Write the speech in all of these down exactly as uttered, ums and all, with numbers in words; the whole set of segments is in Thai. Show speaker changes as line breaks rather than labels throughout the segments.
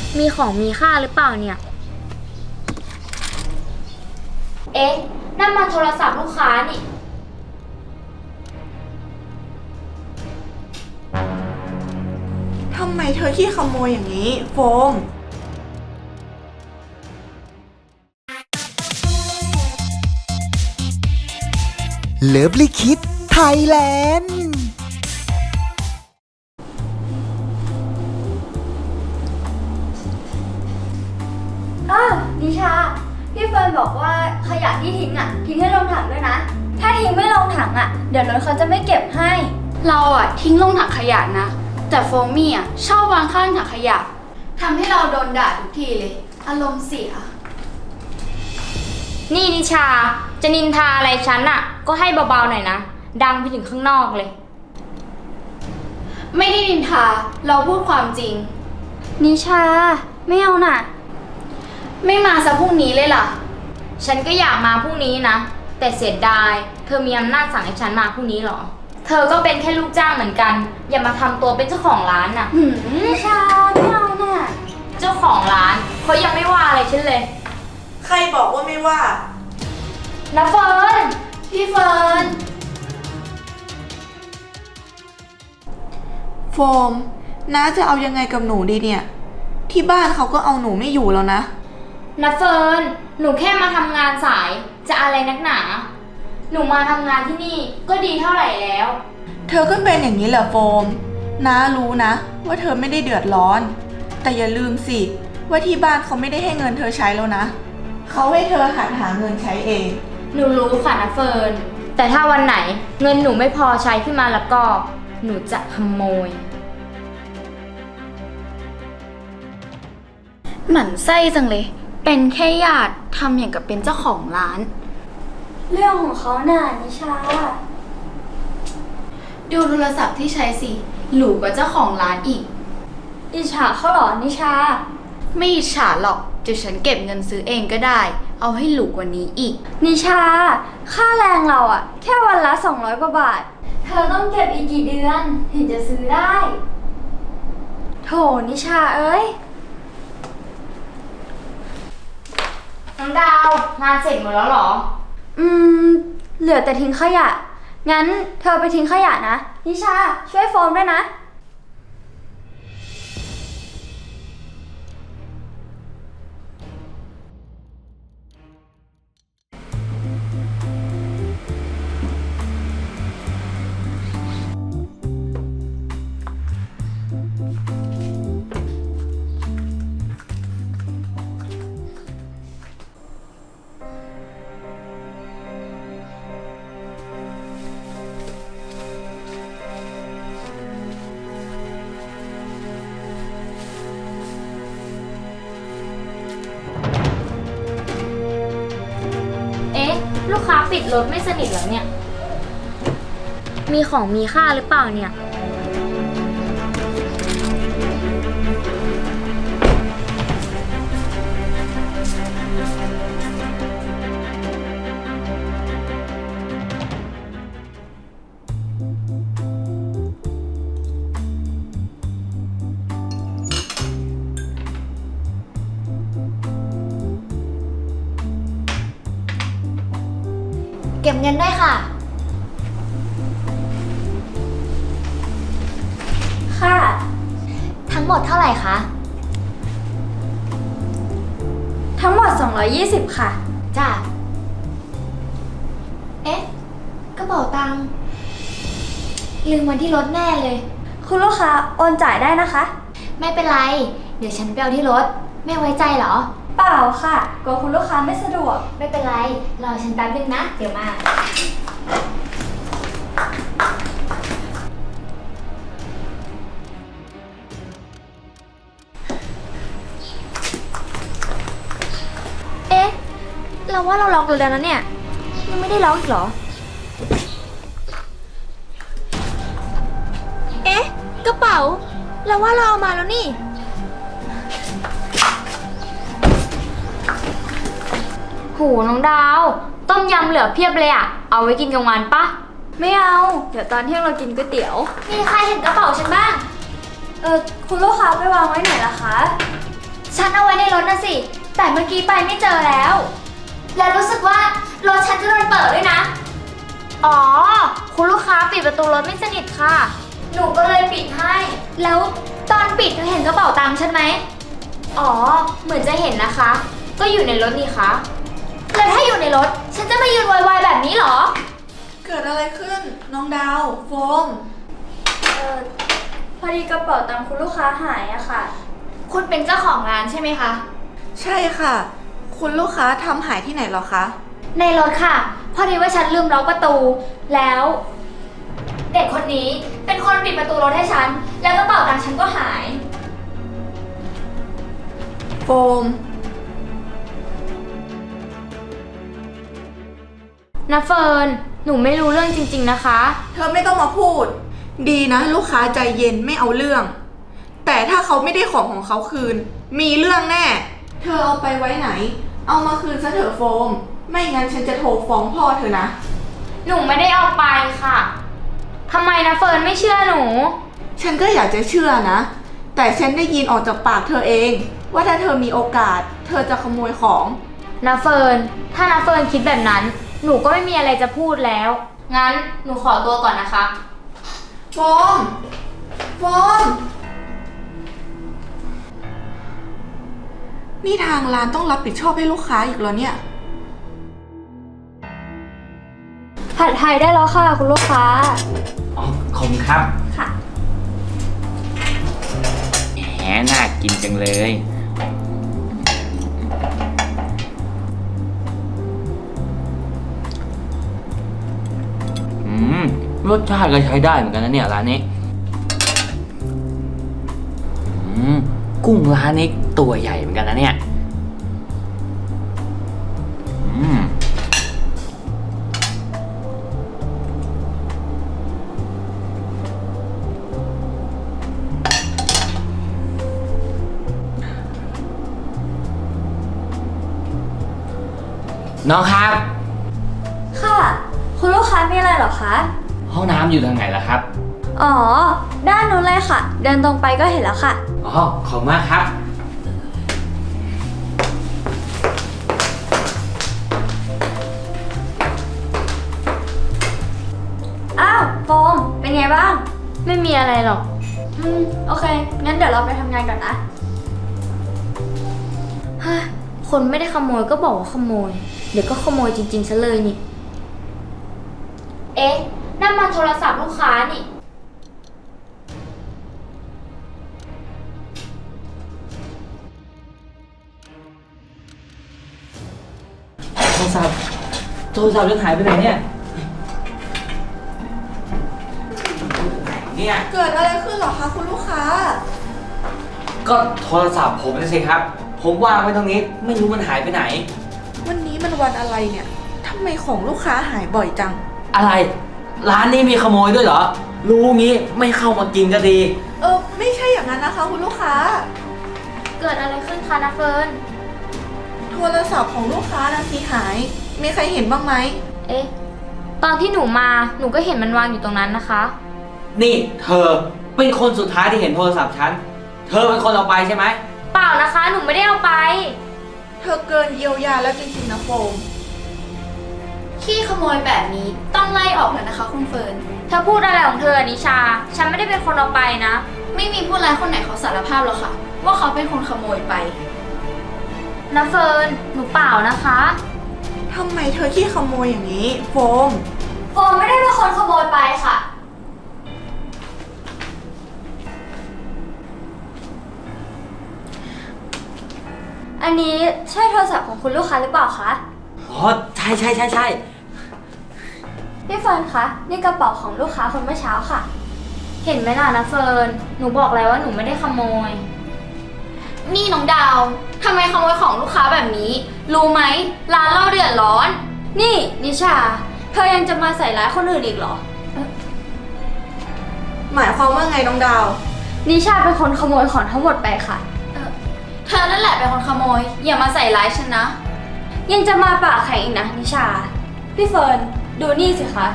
มีของมีค่าหรือเปล่าเนี่ยเอ๊ะนั่นมันโทรศัพท์ลูกค้านี่
ทำไมเธอขี้ขโมยอย่างนี้โฟม
เลิฟลิคิดไทยแลนด์
อ้าวนิชาพี่เฟิร์นบอกว่าขยะที่ทิ้งอ่ะทิ้งให้ลงถังด้วยนะถ้าทิ้งไม่ลงถังอ่ะเดี๋ยวรถเขาจะไม่เก็บให้
เราอ่ะทิ้งลงถังขยะนะแต่โฟมี่อ่ะชอบวางข้างถังขยะทำให้เราโดนด่าทุกทีเลยอารมณ์เสีย
นี่นิชาจะนินทาอะไรฉันอ่ะก็ให้เบาๆหน่อยนะดังไปถึงข้างนอกเลย
ไม่ได้นินทาเราพูดความจริง
นิชาไม่เอาน่ะ
ไม่มาซะพรุ่งนี้เลยล่ะ
ฉันก็อยากมาพรุ่งนี้นะแต่เสียดายเธอมีอำนาจสั่งให้ฉันมาพรุ่งนี้หรอเธอก็เป็นแค่ลูกจ้างเหมือนกันอย่ามาทำตัวเป็นเจ้าของร้านน่ะหืมนิชาไม่เอาน่ะเจ้าของร้านเขายังไม่ว่าอะไรฉันเลย
ใครบอกว่าไม่ว่า
นะเฟิร์น
พี่เฟิร์น
โฟมน้าจะเอายังไงกับหนูดีเนี่ยที่บ้านเขาก็เอาหนูไม่อยู่แล้วนะ
นะเฟิร์นหนูแค่มาทำงานสายจะอะไรนักหนาหนูมาทำงานที่นี่ก็ดีเท่าไหร่แล้ว
เธอก็เป็นอย่างนี้เหรอโฟมน้ารู้นะว่าเธอไม่ได้เดือดร้อนแต่อย่าลืมสิว่าที่บ้านเขาไม่ได้ให้เงินเธอใช้แล้วนะเขาให้เธอหัดหาเงินใช้เอง
หนูรู้ค่ะนะเฟิร์นแต่ถ้าวันไหนเงินหนูไม่พอใช้ขึ้นมาแล้วก็หนูจะขโมย
หมั่นไส้จังเลยเป็นแค่ญาติทำอย่างกับเป็นเจ้าของร้าน
เรื่องของเขาน่ะนิชา
ดูโทรศัพท์ที่ใช้สิหรูกว่าเจ้าของร้านอีก
อิจฉาเขาเหรอนิชา
ไม่อิจฉาหรอกเดี๋ยวฉันเก็บเงินซื้อเองก็ได้เอาให้หรูกว่านี้อีก
นิชาค่าแรงเราอะแค่วันละสองร้อยกว่าบาทเธอต้องเก็บอีกกี่เดือนถึงจะซื้อได้โถนิชาเอ้ยน้องดาวงานเสร็จหมดแล้วเหรออืมเหลือแต่ทิ้งขยะงั้นเธอไปทิ้งขยะนะนิชาช่วยโฟมด้วยนะลูกค้าปิดรถไม่สนิทเหรอเนี่ยมีของมีค่าหรือเปล่าเนี่ยเก็บเงินได้ค่ะค่ะทั้งหมดเท่าไหร่คะทั้งหมดสองร้อยยี่สิบค่ะจ้ะเอ๊ะกระเป๋าตังค์ลืมไว้ที่รถแน่เลยคุณลูกค้าโอนจ่ายได้นะคะไม่เป็นไรเดี๋ยวฉันไปเอาที่รถไม่ไว้ใจเหรอเปล่าค่ะกลัวคุณลูกค้าไม่สะดวกไม่เป็นไรรอฉันแป๊บนึงนะเดี๋ยวมาเอ๊ะเราว่าเราล็อกรถแล้วนะเนี่ยยังไม่ได้ล็อกอีกเหรอเอ๊ะกระเป๋าเราว่าเราเอามาแล้วนี่โหน้องดาวต้มยำเหลือเพียบเลยอะเอาไว้กินกลางวันปะไม่เอาเดี๋ยวตอนเที่ยงเรากินก๋วยเตี๋ยวมีใครเห็นกระเป๋าฉันบ้างเออคุณลูกค้าไปวางไว้ไหนล่ะคะฉันเอาไว้ในรถนะสิ แต่เมื่อกี้ไปไม่เจอแล้ว และรู้สึกว่ารถฉันจะโดนเปิดด้วยนะ อ๋อ คุณลูกค้าปิดประตูรถไม่สนิทค่ะ หนูก็เลยปิดให้ แล้วตอนปิดเธอเห็นกระเป๋าตังค์ฉันไหม อ๋อ เหมือนจะเห็นนะคะ ก็อยู่ในรถนี่คะแล้วถ้าอยู่ในรถ ฉันจะมายืนวายๆแบบนี้เหรอ
เกิดอะไรขึ้น น้องดาว โฟม
เออพอดีกระเป๋าตังค์คุณลูกค้าหายอะค่ะ คุณเป็นเจ้าของร้านใช่ไหมคะ
ใช่ค่ะ คุณลูกค้าทำหายที่ไหนเหรอคะ
ในรถค่ะ พอดีว่าฉันลืมล็อกประตู แล้ว เด็กคนนี้เป็นคนปิดประตูรถให้ฉัน แล้วกระเป๋าตังค์ฉันก็หาย
โฟม
นะเฟิร์น หนูไม่รู้เรื่องจริงๆนะคะ
เธอไม่ต้องมาพูด ดีนะ ลูกค้าใจเย็นไม่เอาเรื่อง แต่ถ้าเขาไม่ได้ของของเขาคืน มีเรื่องแน่ เธอเอาไปไว้ไหน เอามาคืนซะเถอะโฟม ไม่งั้นฉันจะโทรฟ้องพ่อเธอนะ
หนูไม่ได้เอาไปค่ะทำไมนะเฟิร์นไม่เชื่อหนู
ฉันก็อยากจะเชื่อนะ แต่ฉันได้ยินออกจากปากเธอเอง ว่าถ้าเธอมีโอกาส เธอจะขโมยของ
นะเฟิร์น ถ้านะเฟิร์นคิดแบบนั้น หนูก็ไม่มีอะไรจะพูดแล้ว งั้นหนูขอตัวก่อนนะคะ
โฟม โฟม นี่ทางร้านต้องรับผิดชอบให้ลูกค้าอีกแล้วเนี่ย
ผัดไทยได้แล้วค่ะคุณลูกค้า
อ๋อขอบคุณครับ
ค่ะ
แหมน่ากินจังเลย อืม รสชาติก็ใช้ได้เหมือนกันนะเนี่ยร้านนี้ อืม กุ้งร้านนี้ตัวใหญ่เหมือนกันนะเนี่ย อืม น้องครับ
ค่ะ คุณลูกค้ามีอะไรเหรอคะ
ห้องน้ำอยู่ทางไหนล่ะครับ
อ๋อ ด้านนู้นเลยค่ะ เดินตรงไปก็เห็นแล้วค่ะ
อ๋อ ขอบคุณมากครับ
อ้าว โฟม เป็นไงบ้าง ไม่มีอะไรหรอก อืม โอเค งั้นเดี๋ยวเราไปทำงานก่อนนะฮะคนไม่ได้ขโมยก็บอกว่าขโมย เดี๋ยวก็ขโมยจริงๆซะเลยนี่ เอ๊ะ นั่นมันโทรศัพท์ลูกค้านี่
โทรศัพท์ โทรศัพท์จะหายไปไหนเนี่ย เนี่ย
เกิดอะไรขึ้นเหรอคะคุณลูกค้า
ก็โทรศัพท์ผมนะสิครับ ผมวางไว้ตรงนี้ ไม่รู้มันหายไปไหน
วันนี้มันวันอะไรเนี่ย ทำไมของลูกค้าหายบ่อยจัง
อะไร ร้านนี้มีขโมยด้วยเหรอ รู้งี้ไม่เข้ามากินก็ดี
เออ ไม่ใช่อย่างนั้นนะคะคุณลูกค้า
เกิดอะไรขึ้นคะนะเฟิร์น
โทรศัพท์ของลูกค้านะสิหาย มีใครเห็นบ้างไหม
เอ๊ะ ตอนที่หนูมา หนูก็เห็นมันวางอยู่ตรงนั้นนะคะ
นี่เธอเป็นคนสุดท้ายที่เห็นโทรศัพท์ฉัน เธอเป็นคนเอาไปใช่ไหม
เปล่านะคะ หนูไม่ได้เอาไป
เธอเกินเยียวยาแล้วจริงๆนะโฟม
ขี้ขโมยแบบนี้ต้องไล่ออกแล้วนะคะคุณเฟิร์น
เธอพูดอะไรของเธอนิชา ฉันไม่ได้เป็นคนเอาไปนะ
ไม่มีผู้ร้ายคนไหนเขาสารภาพหรอกค่ะ ว่าเขาเป็นคนขโมยไป
นะเฟิร์น หนูเปล่านะคะ
ทำไมเธอขี้ขโมยอย่างนี้ โฟม
โฟมไม่ได้เป็นคนขโมยไปค่ะ อันนี้ใช่โทรศัพท์ของคุณลูกค้าหรือเปล่าคะ
อ๋อ ใช่ใช่ใช่ใช่
พี่เฟิร์นคะ นี่กระเป๋าของลูกค้าคนเมื่อเช้าค่ะ เห็นไหมล่ะนะเฟิร์น หนูบอกแล้วว่าหนูไม่ได้ขโมย
นี่น้องดาวทำไมขโมยของลูกค้าแบบนี้ รู้ไหมร้านเราเดือดร้อน
นี่นิชา เธอยังจะมาใส่ร้ายคนอื่นอีกเหรอ
หมายความว่าไงน้องดาว
นิชาเป็นคนขโมยของทั้งหมดไปค่ะ
เธอนั่นแหละเป็นคนขโมย อย่ามาใส่ร้ายฉันนะ
ยังจะมาปากแข็งอีกนะนิชา พี่เฟิร์น ดูนี่สิคะ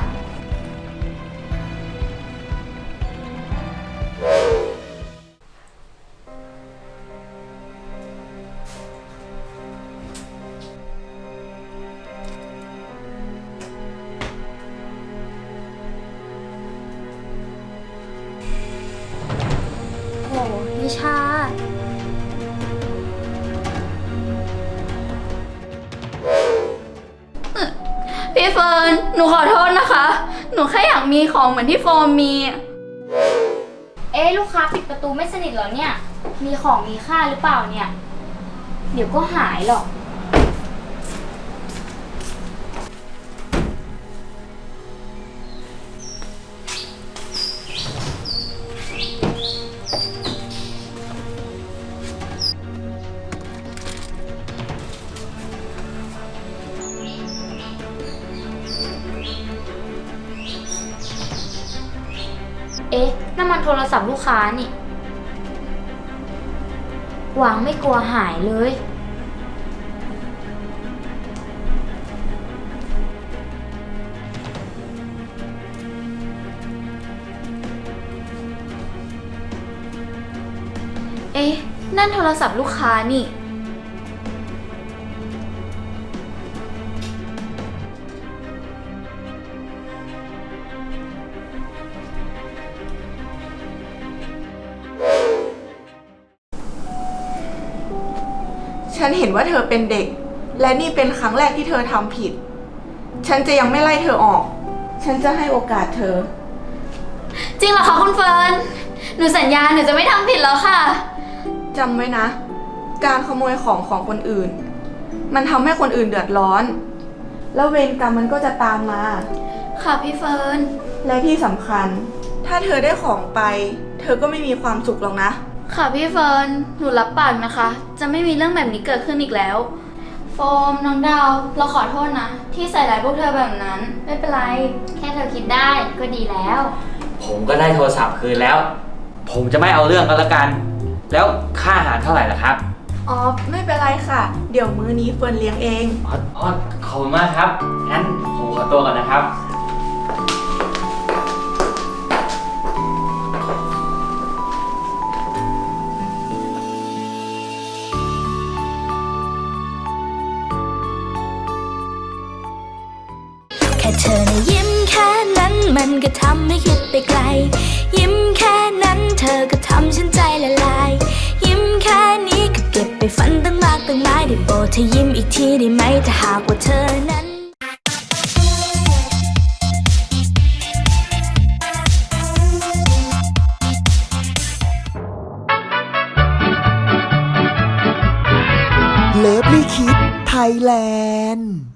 นิชา
พี่เฟิร์น หนูขอโทษนะคะ หนูแค่อยากมีของเหมือนที่โฟมมี
เอ๊ะลูกค้าปิดประตูไม่สนิทเหรอเนี่ย มีของมีค่าหรือเปล่าเนี่ย เดี๋ยวก็หายหรอก เอ๊ะน้ำมันโทรศัพท์ลูกค้านี่ วางไม่กลัวหายเลย
เอ๊ะ นั่นโทรศัพท์ลูกค้านี่
ฉันเห็นว่าเธอเป็นเด็ก และนี่เป็นครั้งแรกที่เธอทำผิด ฉันจะยังไม่ไล่เธอออก ฉันจะให้โอกาสเธอ
จริงเหรอคะคุณเฟิร์น หนูสัญญาหนูจะไม่ทำผิดแล้วค่ะ
จำไว้นะ การขโมยของของคนอื่น มันทำให้คนอื่นเดือดร้อน แล้วเวรกรรมมันก็จะตามมา
ค่ะพี่เฟิร์น
และที่สำคัญ ถ้าเธอได้ของไป เธอก็ไม่มีความสุขหรอกนะ
ค่ะพี่เฟิร์น หนูรับปากนะคะ จะไม่มีเรื่องแบบนี้เกิดขึ้นอีกแล้ว โฟมน้องดาว เราขอโทษนะ ที่ใส่ร้ายพวกเธอแบบนั้น
ไม่เป็นไร แค่เธอคิดได้ก็ดีแล้ว
ผมก็ได้โทรศัพท์คืนแล้ว ผมจะไม่เอาเรื่องกันละกัน แล้วค่าอาหารเท่าไหร่ล่ะครับ
อ๋อ ไม่เป็นไรค่ะ เดี๋ยวมื้อนี้เฟิร์นเลี้ยงเอง
อ๋ออ๋อขอบคุณมากครับ งั้นผมขอตัวก่อนนะครับ
แค่เธอนะยิ้มแค่นั้นมันก็ทำให้คิดไปไกล ยิ้มแค่นั้นเธอก็ทำฉันใจละลาย ยิ้มแค่นี้ก็เก็บไปฝันตั้งมากตั้งหลายได้โปรดเธอยิ้มอีกทีได้ไหมถ้าหากว่าเธอนั้น
เลิฟลี่คิดไทยแลนด์